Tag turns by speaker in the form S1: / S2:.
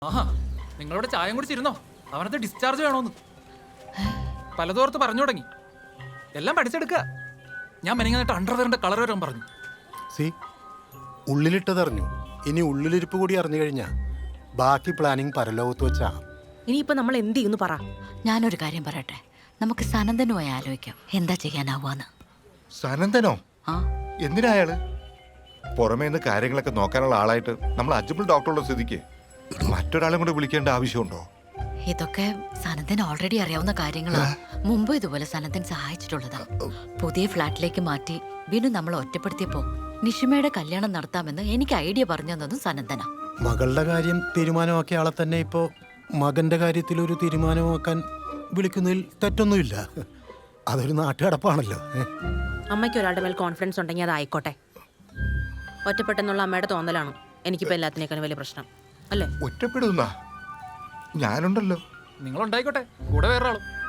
S1: ആഹാ, നിങ്ങളോട് ചായം കുടിച്ചിരുന്നോ? അവനത് ഡിസ്ചാർജ് വേണോന്ന് പലതോർത്ത് പറഞ്ഞു തുടങ്ങി. എല്ലാം പഠിച്ചെടുക്കുക. ഞാൻ മെനിങ്ങായിട്ട് അണ്ടർവെയറിന്റെ കളർ വരാൻ പറഞ്ഞു.
S2: സി ഉള്ളിലിട്ടതറിഞ്ഞു. ഇനി ഉള്ളിലിരിപ്പ് കൂടി അറിഞ്ഞു കഴിഞ്ഞാ ബാക്കി പ്ലാനിങ് പരലോകത്ത് വെച്ചാ.
S3: ഇനിയിപ്പോ നമ്മൾ എന്ത് ചെയ്യുന്നു പറ.
S4: ഞാനൊരു കാര്യം പറയട്ടെ, നമുക്ക് സനന്ദനുമായി ആലോചിക്കാം എന്താ ചെയ്യാനാവാന്ന്.
S5: സനന്ദനോ?
S4: ആ
S5: എന്തിനാ അയാള്? പുറമേ നിന്ന് കാര്യങ്ങളൊക്കെ നോക്കാനുള്ള ആളായിട്ട് നമ്മൾ അജ്മൽ ഡോക്ടറുള്ള സ്ഥിതിക്ക് മറ്റൊരാളെ കൂടെ വിളിക്കേണ്ട ആവശ്യമുണ്ടോ?
S4: ഇതൊക്കെ സനന്ദൻ ഓൾറെഡി അറിയാവുന്ന കാര്യങ്ങളാ. മുമ്പ് ഇതുപോലെ സനന്ദൻ സഹായിച്ചിട്ടുള്ളതാ. പുതിയ ഫ്ലാറ്റിലേക്ക് മാറ്റി ബിനു നമ്മളെ ഒറ്റപ്പെടുത്തിയപ്പോ നിഷിമയുടെ കല്യാണം നടത്താമെന്ന് എനിക്ക് ഐഡിയ പറഞ്ഞു തന്നതും സനന്ദനാ.
S2: മകളുടെ കാര്യം തീരുമാനമാക്കിയ ആളെ തന്നെ ഇപ്പോ മകന്റെ കാര്യത്തിൽ ഒരു തീരുമാനമാക്കാൻ വിളിക്കുന്നതിൽ തെറ്റൊന്നുമില്ല. അതൊരു നാട്ടുകടപ്പാണല്ലോ.
S3: അമ്മയ്ക്ക് ഒരാളുടെ മേൽ കോൺഫിഡൻസ് ഉണ്ടെങ്കിൽ അത് ആയിക്കോട്ടെ. ഒറ്റപ്പെട്ടെന്നുള്ള അമ്മയുടെ തോന്നലാണ് എനിക്കിപ്പോ എല്ലാത്തിനേക്കാളും വലിയ പ്രശ്നം അല്ലേ.
S5: ഒറ്റപ്പെടുന്ന ഞാനുണ്ടല്ലോ.
S1: നിങ്ങളുണ്ടായിക്കോട്ടെ, കൂടെ വേറെ ആളും.